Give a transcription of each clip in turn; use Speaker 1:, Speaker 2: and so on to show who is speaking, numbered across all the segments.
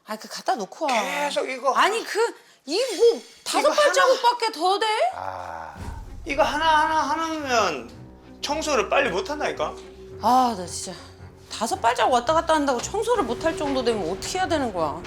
Speaker 1: 아, 그 갖다 놓고 와.
Speaker 2: 계속 이거
Speaker 1: 아니, 이 뭐 5발자국밖에 더 돼?
Speaker 2: 이거 하나면 청소를 빨리 못 한다니까?
Speaker 1: 아, 나 진짜 5발자국 왔다 갔다 한다고 청소를 못 할 정도 되면 어떻게 해야 되는 거야?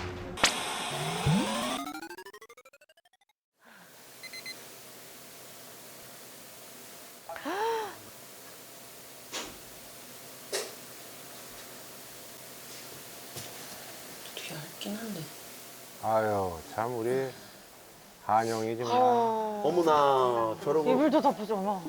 Speaker 1: 되게 얇긴 한데.
Speaker 3: 아유, 참 우리 한영이 정말.
Speaker 4: 어머나 저러고
Speaker 5: 이불도 덮어줘.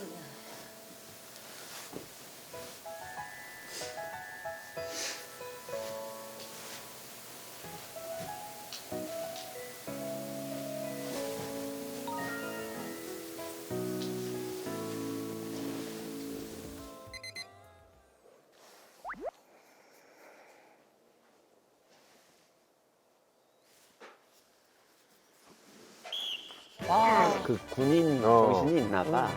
Speaker 4: 그 군인 정신이 있나 봐.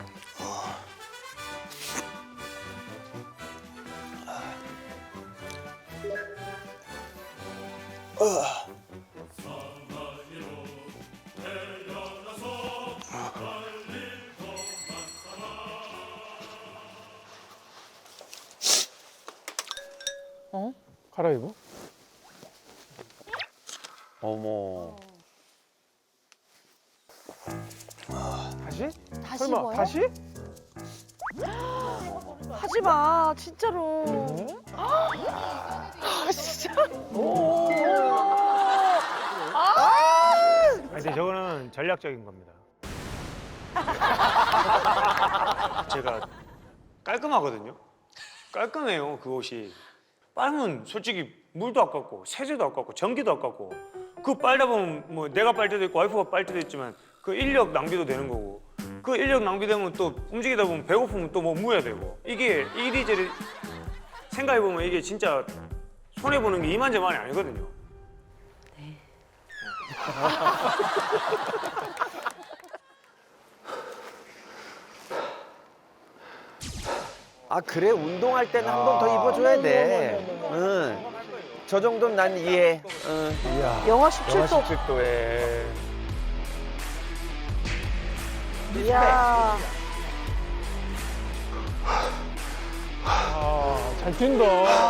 Speaker 3: 갈아입어?
Speaker 4: 어머.
Speaker 3: 다시?
Speaker 5: 다시
Speaker 3: 설마
Speaker 5: 입어요?
Speaker 3: 다시?
Speaker 5: 하지 마, 진짜로. 아, 진짜.
Speaker 6: 근데 저거는 전략적인 겁니다. 제가 깔끔하거든요. 깔끔해요, 그 옷이. 빨면 솔직히 물도 아깝고 세제도 아깝고 전기도 아깝고 그거 빨다 보면 뭐 내가 빨 때도 있고 와이프가 빨 때도 있지만 그 인력 낭비도 되는 거고 그 인력 낭비되면 또 움직이다 보면 배고프면 또 뭐 무야 되고 이게 이리저리 생각해보면 이게 진짜 손해보는 게 이만저만이 아니거든요.
Speaker 4: 아 그래 운동할 때는 한 번 더 입어줘야 돼. 응. 저 정도는 난 이해. 응.
Speaker 5: 영하 17도.
Speaker 3: 17도에.
Speaker 5: 이야.
Speaker 3: 아, 잘 뛴다.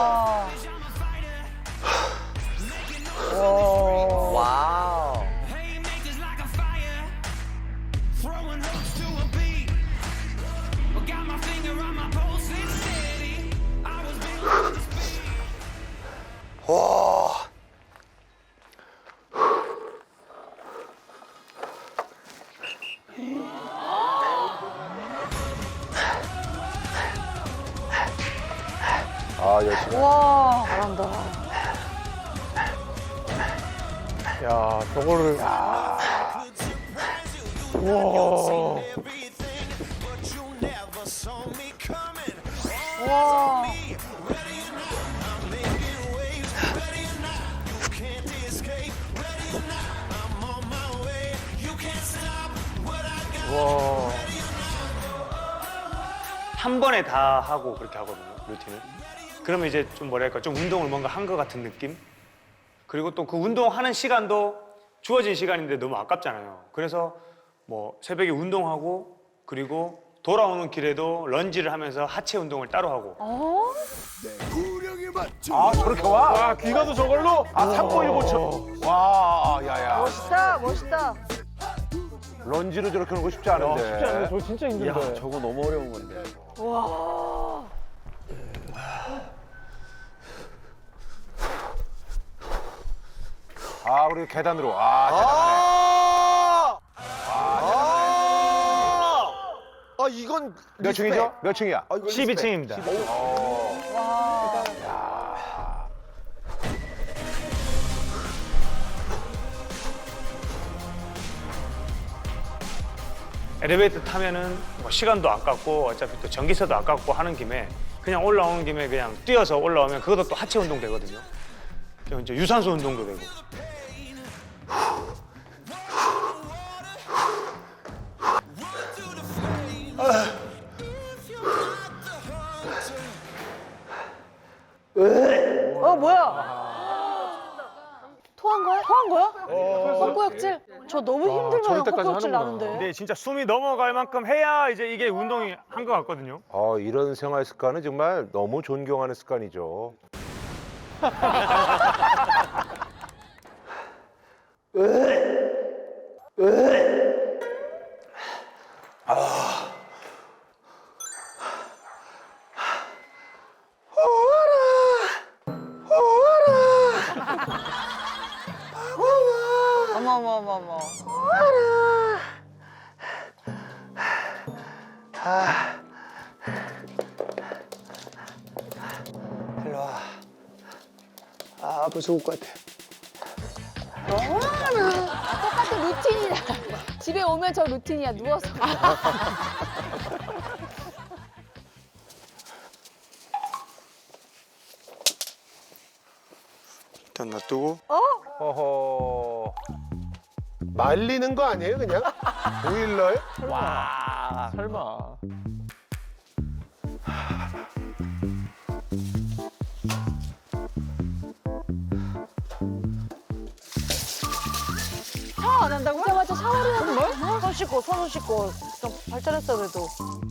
Speaker 4: 와우.
Speaker 2: 와.
Speaker 3: 아, 열심히.
Speaker 5: 와, 잘한다.
Speaker 3: 야, 저거를. 우와.
Speaker 5: 와.
Speaker 3: 와.
Speaker 6: 한 번에 다 하고 그렇게 하거든요, 루틴을. 그러면 이제 좀 뭐랄까, 좀 운동을 뭔가 한 것 같은 느낌? 그리고 또 그 운동하는 시간도 주어진 시간인데 너무 아깝잖아요. 그래서 뭐 새벽에 운동하고 그리고 돌아오는 길에도 런지를 하면서 하체 운동을 따로 하고.
Speaker 3: 아, 저렇게 와? 와, 귀가도 저걸로? 아, 3.15초. 와, 야야.
Speaker 5: 멋있다, 멋있다.
Speaker 3: 런지로 저렇게 하는 거 쉽지 않은데. 쉽지 않은데, 저거 진짜 힘든데.
Speaker 4: 야 저거 너무 어려운 건데.
Speaker 5: 와.
Speaker 3: 아, 우리 계단으로. 아, 대단하네.
Speaker 4: 아 이건
Speaker 3: 몇 층이죠? 몇 층이야?
Speaker 6: 12층입니다. 엘리베이터 타면은 뭐 시간도 아깝고 어차피 또 전기세도 아깝고 하는 김에 그냥 올라오는 김에 그냥 뛰어서 올라오면 그것도 또 하체 운동 되거든요. 그리고 이제 유산소 운동도 되고.
Speaker 5: 뭐야? 토한 거야? 헛구역질? 저 너무 힘들어요.
Speaker 3: 저럴 때까지
Speaker 5: 헛구역질
Speaker 3: 하는구나.
Speaker 5: 나는데.
Speaker 6: 근데 진짜 숨이 넘어갈 만큼 해야 이제 이게 운동이 한 것 같거든요.
Speaker 7: 이런 생활 습관은 정말 너무 존경하는 습관이죠.
Speaker 1: 어머머머머.
Speaker 2: 일로 와. 아빠 죽을 것 같아.
Speaker 5: 똑같은 루틴이야. 집에 오면 저 루틴이야. 누워서.
Speaker 2: 일단 놔두고.
Speaker 7: 허허.
Speaker 3: 말리는 거 아니에요, 그냥? 보일러에?
Speaker 4: 와.
Speaker 3: 설마.
Speaker 5: 샤워 안 한다고? 오자마자 샤워를 하는 거야? 손 씻고, 손 씻고. 좀 발전했어, 그래도.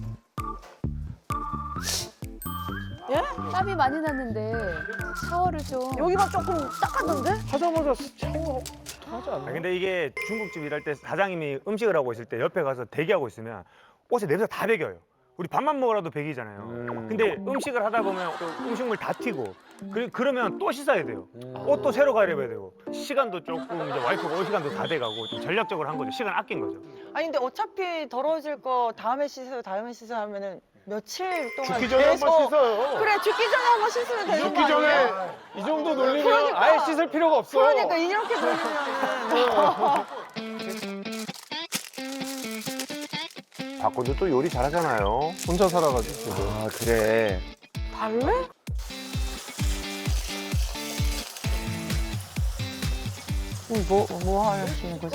Speaker 5: 예? 땀이 많이 났는데 샤워를 좀. 여기만 조금 닦았는데?
Speaker 3: 하자마자 샤워 하지 않나?
Speaker 6: 근데 이게 중국집 일할 때 사장님이 음식을 하고 있을 때 옆에 가서 대기하고 있으면 옷에 냄새가 다 배겨요. 우리 밥만 먹으라도 배기잖아요. 근데 음식을 하다 보면 또 음식물 다 튀고 그러면 또 씻어야 돼요. 옷도 새로 갈아입어야 되고 시간도 조금 이제 와이프가 올 시간도 다 돼가고 좀 전략적으로 한 거죠. 시간 아낀 거죠.
Speaker 1: 아니 근데 어차피 더러워질 거 다음에 씻어요 하면은 며칠 동안
Speaker 3: 죽기 전에 한 번 씻어요.
Speaker 1: 그래 죽기 전에 한 번 씻으면 되는
Speaker 3: 죽기
Speaker 1: 거 아니야?
Speaker 3: 전에 이 정도 놀리면
Speaker 1: 그러니까.
Speaker 3: 아예 씻을 필요가 없어.
Speaker 1: 그러니까 이렇게 돌리면
Speaker 7: 박군도 또 요리 잘하잖아요.
Speaker 3: 혼자 살아가지고.
Speaker 4: 아, 그래.
Speaker 1: 달래? 뭐 하시는 거지?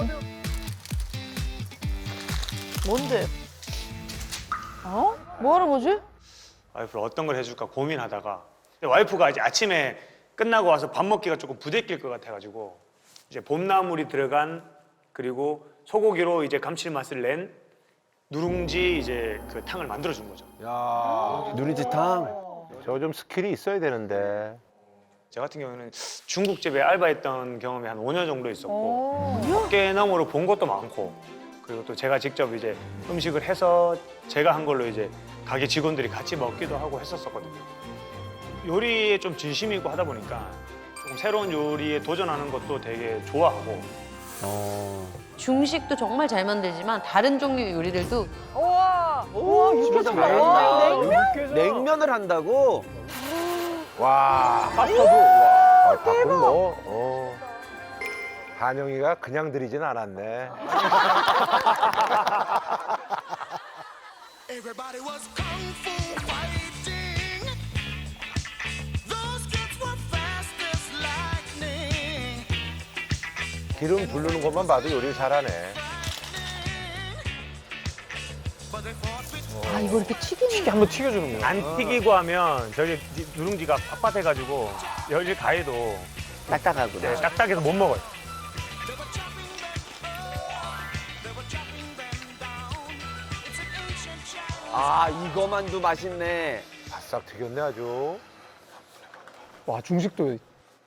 Speaker 1: 뭔데? 어? 뭐 하는 거지?
Speaker 6: 와이프를 어떤 걸 해줄까 고민하다가 근데 와이프가 이제 아침에 끝나고 와서 밥 먹기가 조금 부대낄 것 같아가지고 이제 봄나물이 들어간 그리고 소고기로 이제 감칠맛을 낸 누룽지 이제 그 탕을 만들어 준 거죠.
Speaker 7: 야,
Speaker 4: 누룽지탕.
Speaker 7: 저 좀 스킬이 있어야 되는데.
Speaker 6: 저 같은 경우는 중국집에 알바했던 경험이 한 5년 정도 있었고 밖에나무로 본 것도 많고 그리고 또 제가 직접 이제 음식을 해서 제가 한 걸로 이제 가게 직원들이 같이 먹기도 하고 했었거든요. 요리에 좀 진심이고 하다 보니까 조금 새로운 요리에 도전하는 것도 되게 좋아하고
Speaker 1: 중식도 정말 잘 만들지만 다른 종류의 요리들도
Speaker 5: 우와,
Speaker 4: 집에서
Speaker 5: 육개장.
Speaker 4: 잘한다. 냉면을 한다고?
Speaker 7: 와, 파스타도. 와, 박군 뭐. 한영이가 그냥 들이진 않았네.
Speaker 8: Everybody was kung fu fighting. Those kids were fast as lightning.
Speaker 7: 기름 부르는 것만 봐도 요리를 잘하네.
Speaker 8: But they fought with
Speaker 5: 아, 이거 이렇게 튀기는
Speaker 3: 한번 튀겨주는 거야.
Speaker 6: 안 튀기고 하면 저기 누룽지가 빳빳해가지고 열일 가해도
Speaker 4: 딱딱하고.
Speaker 6: 네, 딱딱해서 못 먹어요.
Speaker 4: 아, 이거만도 맛있네.
Speaker 7: 바싹 튀겼네 아주.
Speaker 3: 와, 중식도.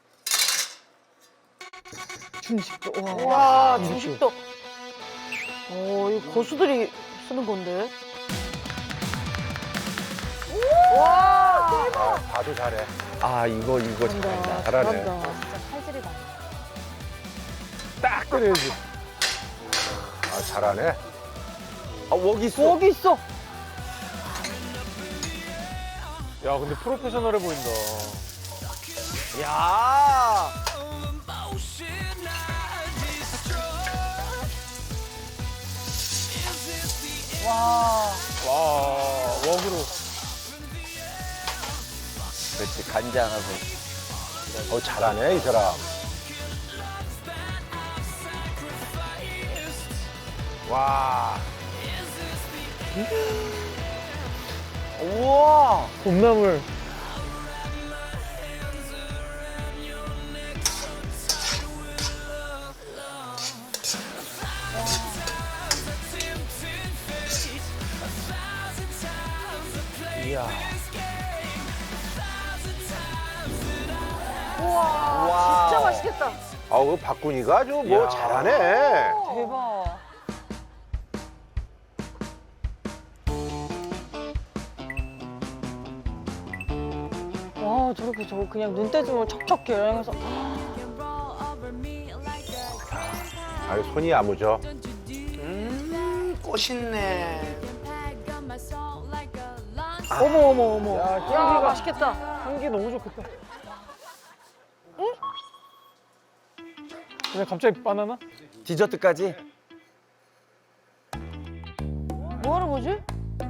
Speaker 5: 중식도. 와, 중식도. 이거 고수들이 쓰는 건데. 와, 대박.
Speaker 7: 봐도 잘해.
Speaker 4: 아, 이거 잘한다.
Speaker 7: 잘하네.
Speaker 5: 진짜 칼질이 나.
Speaker 3: 딱 끓여야지.
Speaker 7: 아, 잘하네.
Speaker 4: 아, 웍 있어.
Speaker 5: 여기 있어.
Speaker 3: 야, 근데 프로페셔널해 보인다.
Speaker 4: 야.
Speaker 3: 와, 웍으로.
Speaker 4: 그렇지, 간장하고.
Speaker 7: 잘하네 이 사람. 와.
Speaker 4: 우와.
Speaker 3: 봄나물.
Speaker 5: 우와, 진짜 맛있겠다.
Speaker 7: 아우 박군이가 아주 뭐 잘하네.
Speaker 5: 대박. 와, 저렇게 저거 그냥 눈대중으로 척척 계량해서.
Speaker 7: 아유 손이 야무져.
Speaker 6: 꽃있네.
Speaker 5: 어머, 어머, 어머. 야, 맛있겠다.
Speaker 3: 향기 너무 좋겠다. 응? 근데 갑자기 바나나?
Speaker 4: 디저트까지.
Speaker 5: 뭐 하는 거지?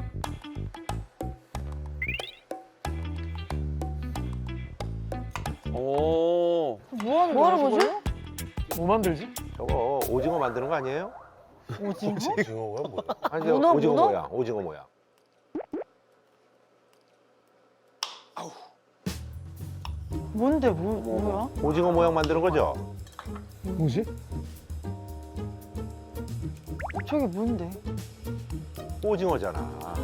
Speaker 4: 오.
Speaker 5: 뭐 하는 거지?
Speaker 3: 뭐 만들지?
Speaker 7: 저거 오징어 만드는 거 아니에요?
Speaker 5: 오징어?
Speaker 7: 오징어가 뭐야? 아니 저
Speaker 5: 문어,
Speaker 7: 오징어
Speaker 5: 문어?
Speaker 7: 모양. 오징어 모양.
Speaker 5: 뭔데, 뭐야?
Speaker 7: 오징어 모양 만드는 거죠?
Speaker 3: 뭐지?
Speaker 5: 저게 뭔데?
Speaker 7: 오징어잖아.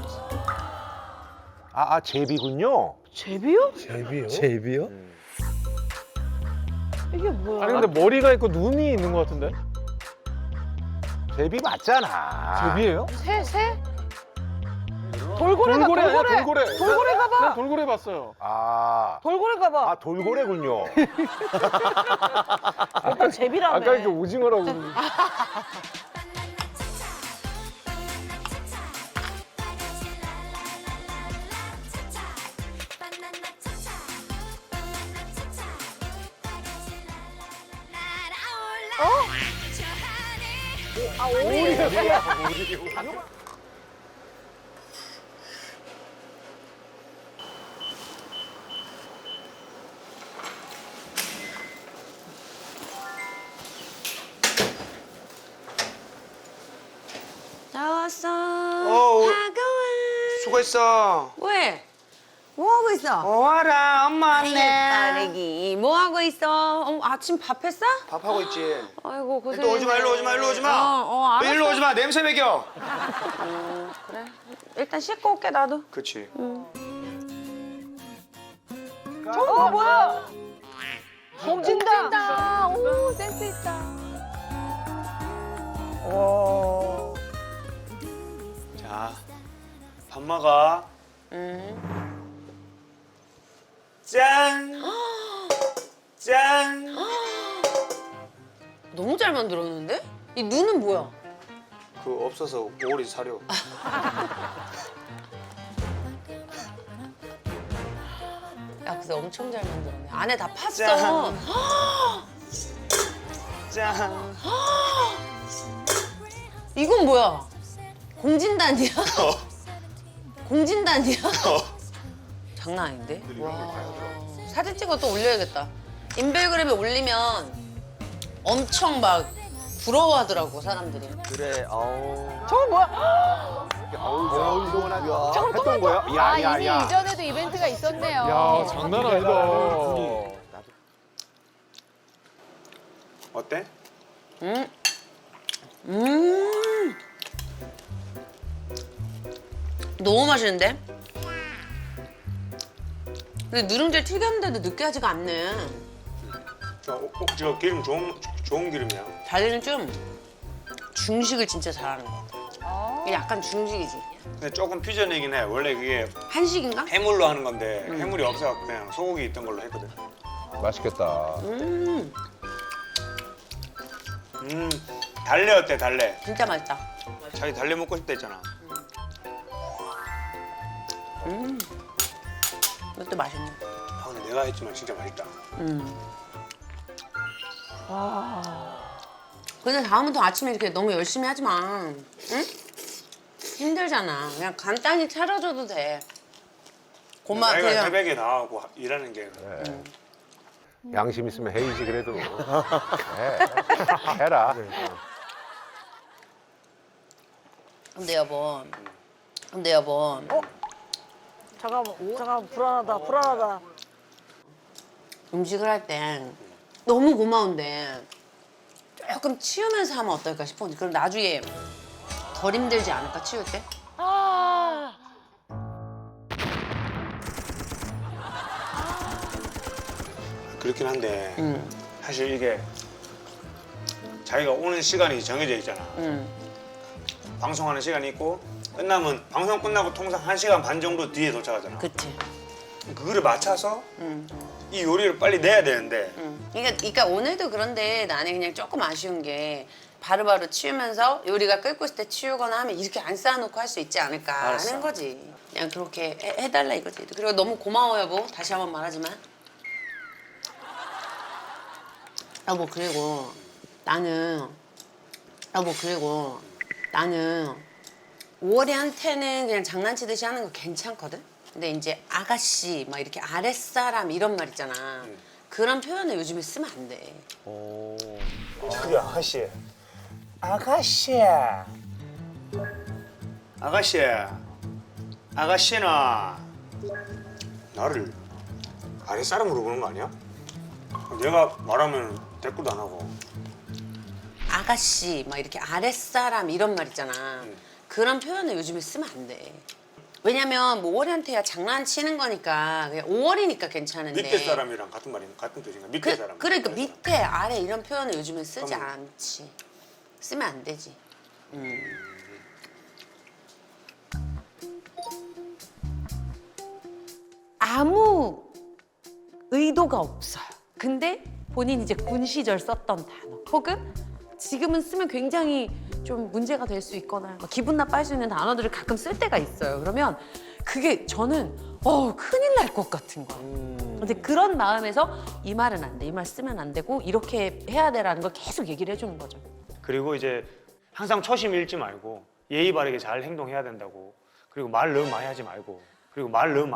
Speaker 7: 제비군요.
Speaker 5: 제비요?
Speaker 4: 제비요?
Speaker 5: 이게 뭐야?
Speaker 3: 아니 근데 머리가 있고 눈이 있는 것 같은데?
Speaker 7: 제비 맞잖아.
Speaker 3: 제비예요?
Speaker 5: 새? 돌고래가,
Speaker 3: 돌고래 아니야
Speaker 5: 돌고래!
Speaker 3: 돌고래.
Speaker 5: 돌고래가 봐!
Speaker 3: 난 돌고래 봤어요.
Speaker 5: 돌고래가 봐!
Speaker 7: 돌고래군요.
Speaker 5: 오빠 제비라며.
Speaker 3: 아까 이렇게 오징어라고 그러는데.
Speaker 1: 나왔어.
Speaker 6: 어, 수고했어.
Speaker 1: 왜? 뭐 하고 있어?
Speaker 6: 와라, 엄마 왔네.
Speaker 1: 딸애기 뭐 하고 있어? 아침 밥 했어?
Speaker 6: 밥하고 있지.
Speaker 1: 아이고 고생.
Speaker 6: 또 오지 마, 일로 오지 마, 일로 오지 마.
Speaker 1: 알았어.
Speaker 6: 일로 오지 마, 냄새 먹여.
Speaker 1: 그래. 일단 씻고 올게 나도.
Speaker 6: 그치.
Speaker 5: 뭐야? 공진다. 오, 센스 있다.
Speaker 6: 자, 밥 먹어. 짠. 짠.
Speaker 1: 너무 잘 만들었는데? 이 눈은 뭐야?
Speaker 6: 그 없어서 오리 사료.
Speaker 1: 야, 근데 엄청 잘 만들었네. 안에 다 팠어.
Speaker 6: 짠. 짠.
Speaker 1: 이건 뭐야? 공진단이야? 공진단이야? 장난 아닌데? 와. 사진 찍어 또 올려야겠다. 인별그램에 올리면 엄청 막 부러워하더라고, 사람들이.
Speaker 4: 그래. 아우.
Speaker 5: 저거 뭐야?
Speaker 7: 어우 시원하다. 했던 거야? 야야야.
Speaker 5: 이전에도 이벤트가 있었네요.
Speaker 3: 야 장난 아니다.
Speaker 6: 어때?
Speaker 1: 너무 맛있는데? 근데 누룽지를 튀겼는데도 느끼하지가 않네.
Speaker 6: 저 기름 좋은 기름이야.
Speaker 1: 달리는 좀 중식을 진짜 잘하는 것 같아. 이게 약간 중식이지.
Speaker 6: 근데 조금 퓨전이긴 해. 원래 그게
Speaker 1: 한식인가?
Speaker 6: 해물로 하는 건데 해물이 없어서 그냥 소고기 있던 걸로 했거든.
Speaker 7: 맛있겠다.
Speaker 6: 달래 어때, 달래?
Speaker 1: 진짜 맛있다.
Speaker 6: 자기 달래 먹고 싶다 했잖아.
Speaker 1: 이것도 맛있네.
Speaker 6: 아, 근데 내가 했지만 진짜 맛있다.
Speaker 1: 근데 다음부터 아침에 이렇게 너무 열심히 하지 마. 응? 힘들잖아. 그냥 간단히 차려줘도 돼. 고마,
Speaker 6: 내가
Speaker 1: 그냥.
Speaker 6: 새벽에 나가고 일하는 게.
Speaker 7: 양심 있으면 해이지 그래도. 해라.
Speaker 1: 근데 여보.
Speaker 5: 잠깐만, 불안하다.
Speaker 1: 음식을 할 때 너무 고마운데 조금 치우면서 하면 어떨까 싶어. 그럼 나중에 덜 힘들지 않을까, 치울 때?
Speaker 6: 그렇긴 한데 사실 이게 자기가 오는 시간이 정해져 있잖아. 방송하는 시간이 있고 끝나면 방송 끝나고 통상 1시간 반 정도 뒤에 도착하잖아.
Speaker 1: 그치.
Speaker 6: 그거를 맞춰서 이 요리를 빨리 내야 되는데
Speaker 1: 그러니까 오늘도 그런데 나는 그냥 조금 아쉬운 게 바로바로 치우면서 요리가 끓고 있을 때 치우거나 하면 이렇게 안 쌓아놓고 할 수 있지 않을까
Speaker 6: 알았어.
Speaker 1: 하는 거지. 그냥 그렇게 해달라 이거지. 그리고 너무 고마워 여보. 다시 한번 말하지만. 여보 그리고 나는 5월이한테는 그냥 장난치듯이 하는 거 괜찮거든? 근데 이제 아가씨 막 이렇게 아랫사람 이런 말 있잖아. 그런 표현을 요즘에 쓰면 안 돼.
Speaker 6: 그게 아가씨야. 아가씨는 나를 아랫사람으로 보는 거 아니야? 내가 말하면 대꾸도 안 하고.
Speaker 1: 아가씨 막 이렇게 아랫사람 이런 말 있잖아. 그런 표현을 요즘에 쓰면 안 돼. 왜냐면 뭐 5월이한테야 장난치는 거니까 그냥 5월이니까 괜찮은데.
Speaker 6: 밑에 사람이랑 같은 뜻인가? 밑에 사람.
Speaker 1: 그러니까 밑에 아래 이런 표현을 요즘에 쓰지
Speaker 6: 그럼-
Speaker 1: 않지. 쓰면 안 되지. 아무 의도가 없어요. 근데 본인 이제 군 시절 썼던 단어 혹은 지금은 쓰면 굉장히 좀 문제가 될 수 있거나 막 기분 나빠할 수 있는 단어들을 가끔 쓸 때가 있어요. 그러면 그게 저는 큰일 날 것 같은 거야. 근데 그런 마음에서 이 말은 안 돼, 이 말 쓰면 안 되고 이렇게 해야 돼라는 걸 계속 얘기를 해주는 거죠.
Speaker 6: 그리고 이제 항상 초심 잃지 말고 예의 바르게 잘 행동해야 된다고. 그리고 말 너무 많이 하지 말고. 그리고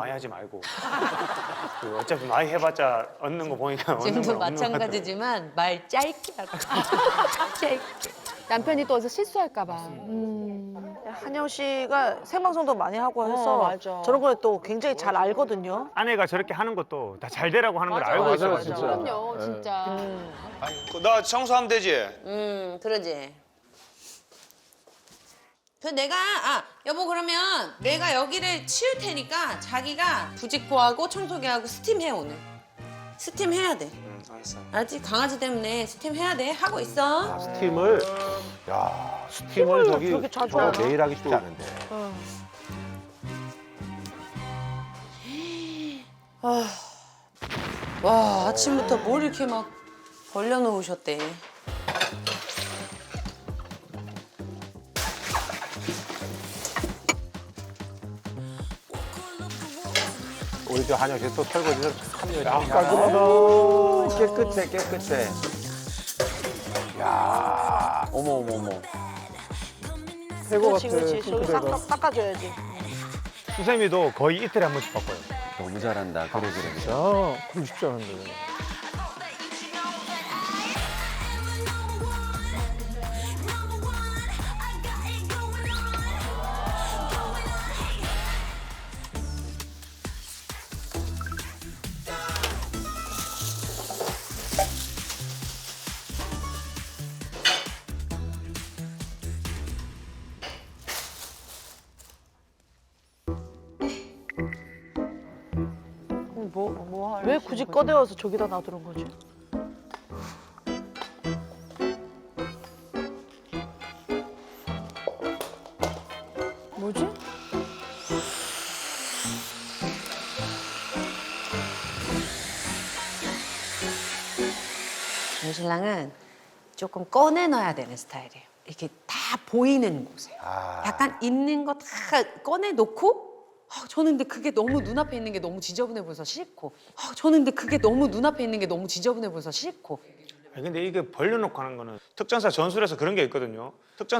Speaker 6: 어차피 많이 해봤자 얻는 거 보니까 얻는
Speaker 1: 지금도
Speaker 6: 건 없는 것 같아.
Speaker 1: 마찬가지지만 말 짧게 하고 짧게.
Speaker 5: 남편이 또 어디서 실수할까 봐.
Speaker 9: 한영 씨가 생방송도 많이 하고 해서
Speaker 5: 맞아.
Speaker 9: 저런 걸 또 굉장히 잘 알거든요.
Speaker 6: 아내가 저렇게 하는 것도 다 잘 되라고 하는 걸 알고
Speaker 3: 맞아요,
Speaker 6: 있어가지고.
Speaker 3: 진짜.
Speaker 5: 그럼요, 진짜.
Speaker 6: 나 청소하면 되지?
Speaker 1: 그러지. 내가 여보 그러면 내가 여기를 치울 테니까 자기가 부직포하고 청소기하고 스팀해 오늘. 스팀 해야 돼.
Speaker 6: 알았어.
Speaker 1: 알았지? 강아지 때문에 스팀 해야 돼. 하고 있어.
Speaker 7: 스팀을 스팀을 저기
Speaker 9: 그렇게 자주
Speaker 7: 저거
Speaker 9: 하나?
Speaker 7: 매일 하기 쉽지 않은데.
Speaker 1: 와 아침부터 뭘 이렇게 막 벌려놓으셨대.
Speaker 7: 우리 저 한영 씨 또 설거지를 참 열심히 하네.
Speaker 3: 깔끔하다.
Speaker 4: 깨끗해. 야, 어머.
Speaker 3: 새거 같아.
Speaker 9: 그렇지. 저기
Speaker 3: 핑크색은.
Speaker 9: 싹 닦아줘야지.
Speaker 6: 수세미도 거의 이틀에 한 번씩 바꿔요.
Speaker 4: 너무 잘한다. 그래.
Speaker 3: 그럼 쉽지 않은데.
Speaker 9: 왜 굳이 꺼내와서 저기다 놔두는 거지?
Speaker 5: 뭐지?
Speaker 1: 전 신랑은 조금 꺼내놔야 되는 스타일이에요. 이렇게 다 보이는 곳에. 약간 있는 거 다 꺼내놓고 저는 근데 그게 너무 눈앞에 있는 게 너무 지저분해 보여서 싫고 저는 근데 그게 너무 눈앞에 있는 게 너무 지저분해 보여서 싫고
Speaker 6: 아니, 근데 이게 벌려놓고 하는 거는 특전사 전술에서 그런 게 있거든요.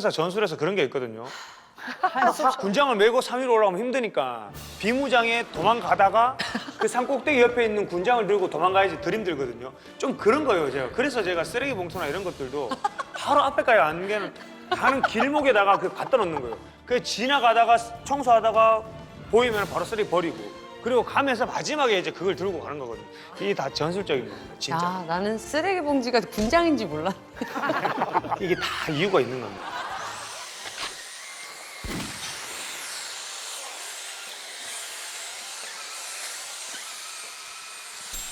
Speaker 6: 군장을 메고 3위로 올라가면 힘드니까 비무장에 도망가다가 그 산꼭대기 옆에 있는 군장을 들고 도망가야지 덜 힘들거든요. 좀 그런 거예요, 제가. 그래서 제가 쓰레기 봉투나 이런 것들도 바로 앞에까지 안 가는 길목에다가 그 갖다 놓는 거예요. 그 지나가다가 청소하다가 보이면 바로 쓰레기 버리고 그리고 가면서 마지막에 이제 그걸 들고 가는 거거든요. 이게 다 전술적인 겁니다, 진짜.
Speaker 1: 나는 쓰레기 봉지가 군장인지 몰라.
Speaker 6: 이게 다 이유가 있는 겁니다.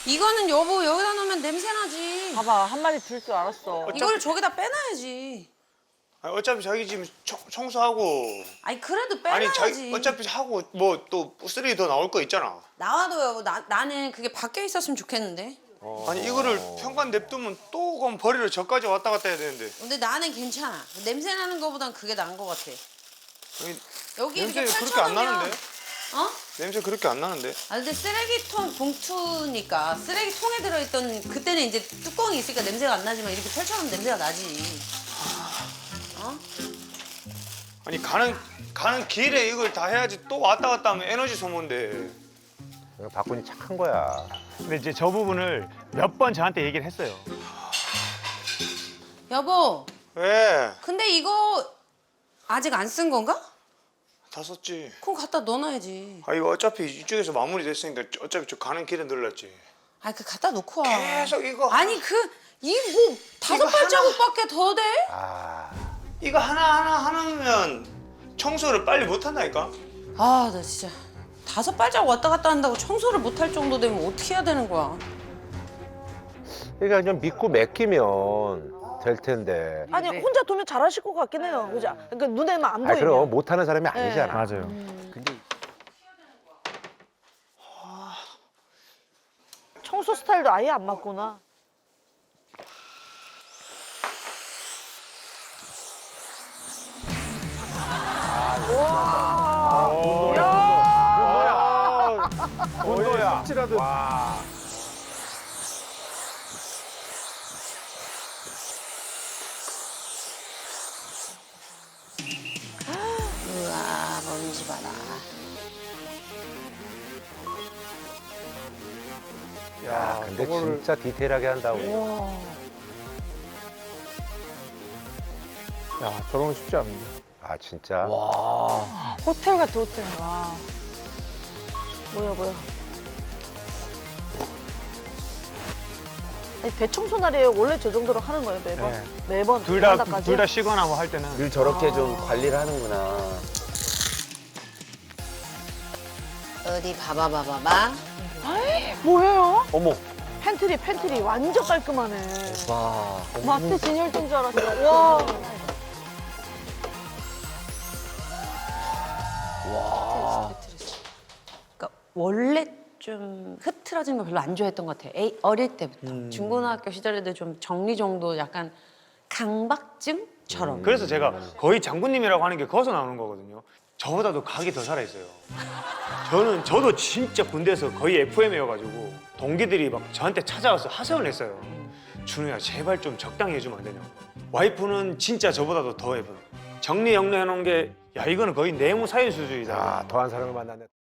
Speaker 1: 이거는 여보 여기다 놓으면 냄새 나지.
Speaker 9: 봐봐, 한 마리 들 줄 알았어.
Speaker 1: 이걸 저기다 빼놔야지.
Speaker 6: 아니, 어차피 자기 지금 청소하고
Speaker 1: 아니 그래도
Speaker 6: 아니
Speaker 1: 빼놔야지.
Speaker 6: 자기 어차피 하고 뭐 또 쓰레기 더 나올 거 있잖아.
Speaker 1: 나와도 여보 나는 그게 밖에 있었으면 좋겠는데.
Speaker 6: 아니 이거를 평간 냅두면 또 그럼 버리러 저까지 왔다 갔다 해야 되는데.
Speaker 1: 근데 나는 괜찮아. 냄새 나는 거보단 그게 나은 거 같아.
Speaker 6: 아니,
Speaker 1: 여기 이렇게
Speaker 6: 냄새 그렇게 안
Speaker 1: 펼쳐놓으면
Speaker 6: 나는데?
Speaker 1: 어?
Speaker 6: 냄새 그렇게 안 나는데?
Speaker 1: 아 근데 쓰레기통 봉투니까 쓰레기통에 들어있던 그때는 이제 뚜껑이 있으니까 냄새가 안 나지만 이렇게 펼쳐놓으면 냄새가 나지. 어?
Speaker 6: 아니 가는 길에 이걸 다 해야지 또 왔다 갔다 하면 에너지 소모인데.
Speaker 7: 박군이 착한 거야.
Speaker 6: 근데 이제 저 부분을 몇 번 저한테 얘기를 했어요.
Speaker 1: 여보,
Speaker 6: 왜?
Speaker 1: 근데 이거 아직 안 쓴 건가?
Speaker 6: 다 썼지.
Speaker 1: 그럼 갖다 넣어놔야지.
Speaker 6: 아 이거 어차피 이쪽에서 마무리 됐으니까 어차피 저 가는 길에 늘렸지.
Speaker 1: 아, 그 갖다 놓고 와.
Speaker 6: 계속 이거
Speaker 1: 아니 이 뭐 다섯 발자국밖에 더 돼?
Speaker 7: 아,
Speaker 6: 이거 하나면 청소를 빨리 못 한다니까.
Speaker 1: 아, 나 진짜 다섯 발자국 왔다 갔다 한다고 청소를 못 할 정도 되면 어떻게 해야 되는 거야?
Speaker 7: 그러니까 그냥 믿고 맡기면 될 텐데.
Speaker 9: 아니, 혼자 두면 잘하실 것 같긴 해요. 그죠? 그러니까 눈에만 안
Speaker 7: 아,
Speaker 9: 보이면.
Speaker 7: 그럼 못하는 사람이 아니잖아.
Speaker 6: 맞아요.
Speaker 7: 근데
Speaker 9: 청소 스타일도 아예 안 맞구나.
Speaker 7: 온도야.
Speaker 3: 와.
Speaker 1: 우와, 먼지 봐라.
Speaker 7: 야, 근데 진짜 디테일하게 한다고.
Speaker 3: 야, 저런 건 쉽지 않은데.
Speaker 7: 아, 진짜.
Speaker 9: 호텔 같아, 호텔. 와. 뭐야. 아니, 대청소 날이에요. 원래 저 정도로 하는 거예요, 매번?
Speaker 6: 네.
Speaker 9: 매번
Speaker 6: 둘 다
Speaker 9: 베란다까지?
Speaker 6: 쉬거나 뭐 할 때는
Speaker 4: 늘 저렇게 좀 관리를 하는구나.
Speaker 1: 어디 봐봐.
Speaker 9: 뭐예요?
Speaker 4: 어머.
Speaker 9: 팬트리 완전 깔끔하네.
Speaker 4: 와.
Speaker 9: 마트 진열대인 줄 알았어. 와.
Speaker 1: 그러니까 원래 좀 흐트러진 거 별로 안 좋아했던 것 같아. 어릴 때부터. 중고등학교 시절에도 좀 정리정도 약간 강박증처럼.
Speaker 6: 그래서 제가 거의 장군님이라고 하는 게 거기서 나오는 거거든요. 저보다도 각이 더 살아있어요. 저도 진짜 군대에서 거의 FM이어가지고 동기들이 막 저한테 찾아와서 하소연을 했어요. 준우야 제발 좀 적당히 해주면 안 되냐고. 와이프는 진짜 저보다도 더 해요. 정리정돈해 놓은 게 야 이거는 거의 내무 사유 수준이다.
Speaker 7: 야, 더한 사람을 만났네.